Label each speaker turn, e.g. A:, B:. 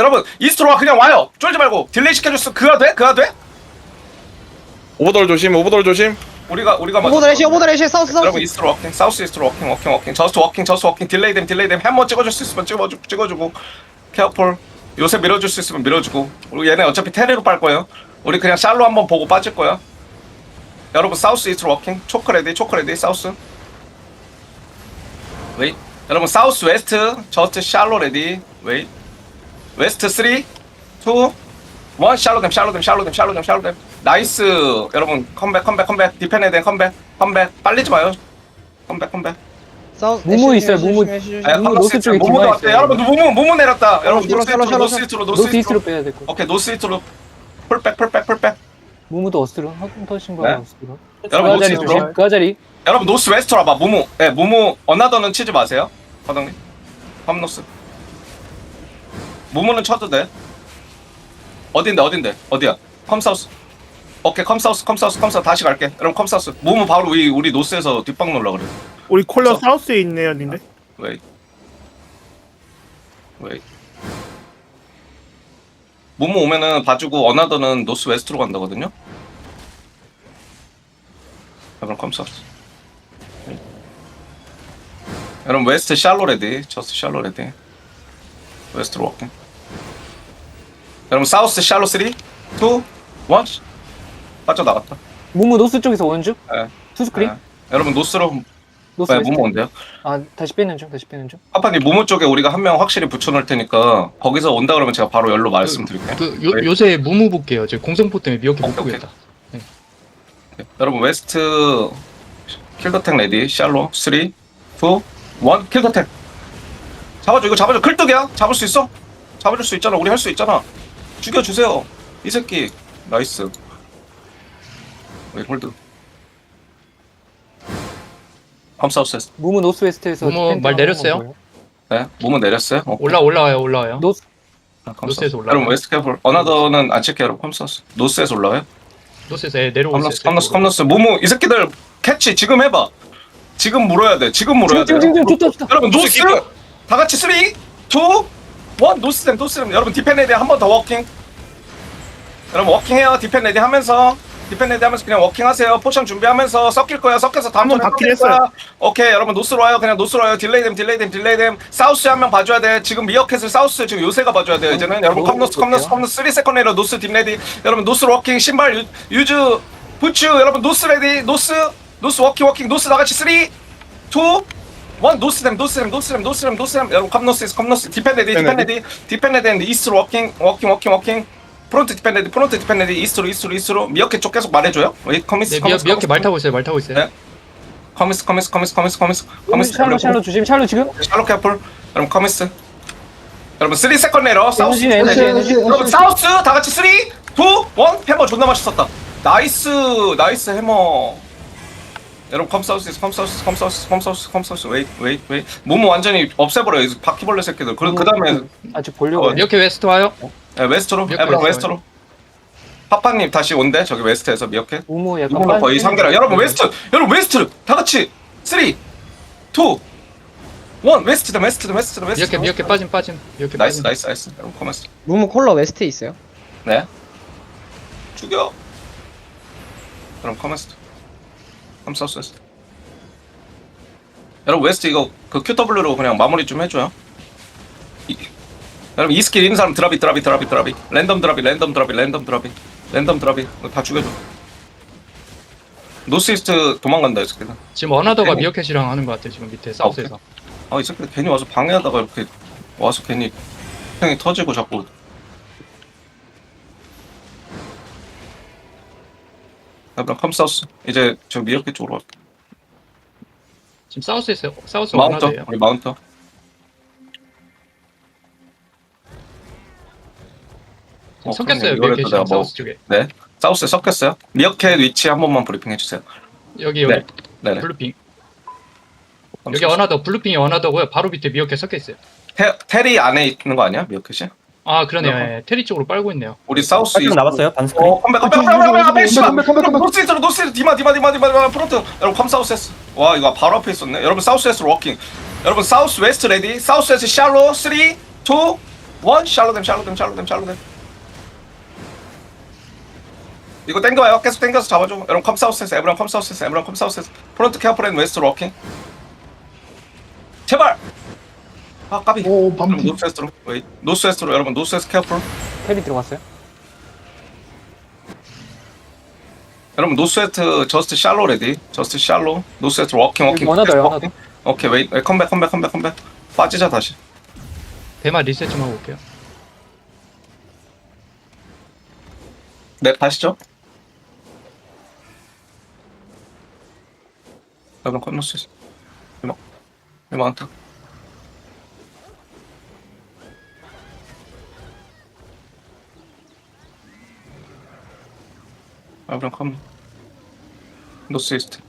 A: 여러분 이스트로 와. 그냥 와요. 쫄지 말고 딜레이 시켜줬어. 그가 돼? 그가 돼?
B: 오버돌 조심, 오버돌 조심.
A: 우리가 먼저
C: 오버드 레시 사우스
A: 여러분
C: 사우스.
A: 이스트로 워킹, 사우스 이스트로 워킹. 저스트 워킹. 딜레이 됨. 햄머 찍어줄 수 있으면 찍어주고. 케어폴. 요새 밀어줄 수 있으면 밀어주고. 우리 얘네 어차피 테레로 빨 거예요. 우리 그냥 샬로 한번 보고 빠질 거야. 여러분 사우스 이스트로 워킹. 초크 레디. 사우스. 웨이. 여러분 사우스 웨스트. 저스트 샬로 레디. 웨이. 웨스트 3, 2, 1. 샬로 됨. 나이스. 여러분 컴백. 디펜에 된 컴백. 빨리지 마요. 컴백.
C: 사우스.
D: 무무 있어요, 무무.
A: 무무
D: 노스 쪽에
A: 무무
D: 기마
A: 왔대.
D: 있어요.
A: 여러분 무무 내렸다. 여러분
C: 샬로.
A: 노스 이스트로.
D: 노스 이스트로 빼야 될 거.
A: 오케이 노스 이스트로. 풀백.
D: 무무도 어스트로 한 터신
A: 네.
D: 거야 어스트로.
A: 여러분 노스
D: 자리
A: 이스트로.
D: 조심. 그 자리.
A: 여러분 노스 웨스트로 와봐. 무무 어나더는 치지 마세요. 과장님. 팜노스. 무무는 쳐도 돼. 어딘데? 어디야? 컴사우스. 오케이 컴사우스 다시 갈게. 여러분 컴사우스. 무무 바로 우리 노스에서 뒷방 놀라 그래.
E: 우리 콜러
A: 저-
E: 사우스에 있네요, 님들.
A: 웨이. 무무 오면은 봐주고 어나더는 노스 웨스트로 간다거든요. 여러분 컴사우스. 여러분 웨스트 샬로 레디. 저스트 샬로 레디. 웨스트로 워킹. 여러분 사우스 샬로 3, 2, 1. 빠져나갔다.
D: 무무 노스 쪽에서 원주.
A: 예.
D: 투스크린.
A: 예. 여러분 노스로
D: 노스
A: 네,
D: 웨스트.
A: 무무 온대요.
D: 아 다시 빼는 중.
A: 파파님 무무 쪽에 우리가 한 명 확실히 붙여놓을 테니까 거기서 온다 그러면 제가 바로 열로 말씀드릴게요.
F: 요새 무무 볼게요. 저 공성포 때문에 미역해 못
A: 오케이,
F: 보겠다.
A: 여러분 웨스트 킬더텍 레디. 샬로 3, 2, 1. 킬더텍. 잡아줘. 클뚝이야. 잡을 수 있어? 잡아줄 수 있잖아. 우리 할 수 있잖아. 죽여주세요. 이 새끼. 나이스. 홀드. 컴사우스.
D: 무무 노스 웨스트에서.
F: 무무
D: 디펜트
F: 말
D: 한번
F: 내렸어요?
D: 보여요.
A: 네. 무무 내렸어요. 오케이.
F: 올라와요.
D: 노스.
F: 노스에서 올라와요.
A: 여러분 웨스트 캐플. 어나더는 안 칠게요. 여러분 컴사우스. 노스에서 올라와요.
F: 노스에서 내려오고 있어요.
A: 컴너스. 무무 이 새끼들 캐치 지금 해봐. 지금 물어야 돼. 지금 물어야 돼.
D: 지금 좋다.
A: 여러분 노스 다 같이 3, 2, 1. 노스댐. 여러분 디펜 레디 한 번 더 워킹. 여러분 워킹해요. 디펜 레디 하면서 그냥 워킹하세요. 포션 준비하면서 섞일 거야. 섞여서 다음
E: 한번
A: 턴에
E: 받긴
A: 섞일 거야.
E: 했어요.
A: 오케이 여러분 노스로 와요. 그냥 노스로 와요. 딜레이 됨. 사우스 한 명 봐줘야 돼. 지금 미어캣을 사우스 지금 요새가 봐줘야 돼요. 이제는 여러분 컴너스 3세컨 내려 노스 딥 레디. 여러분 노스로 워킹 신발 유즈 부츠. 여러분 노스 레디. 노스 워킹. 노스 나같이 3, 2, 1. 노스댐. 여러분 컴너스 디펜 레디. 이스트로 워킹. 프론트 디펜 레디. 이스트로 미어캣 쪽 계속 말해줘요. 커미스.
F: 미역해 말 타고 있어요.
A: 네. 커미스.
D: 샬로 조심. 샬로 지금.
A: 샬로 캐플. 여러분 커미스. 여러분 3세컨 내려. 사우스.
D: 에너지.
A: 여러분 사우스 다 같이 3, 2, 1. 해머 존나 맛있었다. 나이스 해머. 여러분 컴사우스. 웨이. 무무 완전히 없애버려. 이 바퀴벌레 새끼들. 그 다음에
D: 아직 보려고.
F: 미역해 웨스트 와요.
A: 웨스트로.
F: 미어캣
A: 에브라
F: 와요.
A: 웨스트로. 파파님 다시 온대. 저기 웨스트에서 미어캣.
D: 무무 약간.
A: 이번 거의 3개라. 여러분 웨스트 다 같이 3, 2, 1. 웨스트.
F: 미역해 빠짐. 미역해
A: 나이스.
F: 빠짐.
A: 여러분 커머스.
C: 무무 콜러 웨스트에 있어요.
A: 네. 죽여. 그럼 커머스. 컴사우스. 여러분 웨스트 이거 그 QW로 그냥 마무리 좀 해줘요. 여러분 이 스킬 있는 사람 드랍이. 랜덤 드랍이. 다 죽여줘. 노스이스트 도망간다 이 새끼들.
F: 지금 어나더가
A: 네.
F: 미역해이랑 하는 것 같아. 지금 밑에 사우스에서.
A: 이 새끼들 괜히 와서 방해하다가 이렇게 와서 괜히 형이 터지고 자꾸. 여러분 컴사우스. 이제 저 미역개 쪽으로 갈게.
F: 지금 사우스에서 사우스
A: 마운터.
F: 어나더예요.
A: 우리 마운터.
F: 섞였어요.
A: 그럼요. 이거를 또
F: 미역해이랑
A: 내가 뭐-
F: 사우스 쪽에.
A: 네. 사우스에 섞였어요. 미어캣 위치 한 번만 브리핑 해주세요.
F: 여기
A: 네. 네네.
F: 블루핑. 여기 어나더 블루핑이 어나더고요. 바로 밑에 미역해 섞여 있어요.
A: 테리 안에 있는 거 아니야? 미어캣이?
F: 아 그러네요.
A: 그렇구나.
F: 예. 테리 쪽으로 빨고 있네요.
A: 우리 사우스
G: 살짝 남았어요 반스크린.
A: 컴백 노스 디마 프론트. 여러분 컴사우스 S. 와 이거 바로 앞에 있었네. 여러분 사우스 S로 워킹. 여러분 사우스 웨스트 레디. 사우스 S 샬로 3, 2, 원 샬로댐 이거 땡겨와요. 계속 땡겨서 잡아줘. 여러분 컴사우스에서 에브랑 컴사우스에서 프론트 케어풀 앤 웨스트로 워킹. 제발. 아 까비.
E: 오,
A: 여러분
E: 밤피.
A: 노스웨스트로 웨이. 노스웨스트로 여러분 노스웨스트 케어풀.
D: 텔이 들어갔어요.
A: 여러분 노스웨스트 저스트 샬로 레디. 저스트 샬로. 노스웨스트 워킹.
D: 여기 원하더요, 원하더.
A: 오케이 웨이. 컴백. 빠지자 다시.
F: 대마 리셋 좀 하고 올게요.
A: 네 다시죠. 여러분 컴노스. 이만 안타. 여러분 컴. 노스 이스트.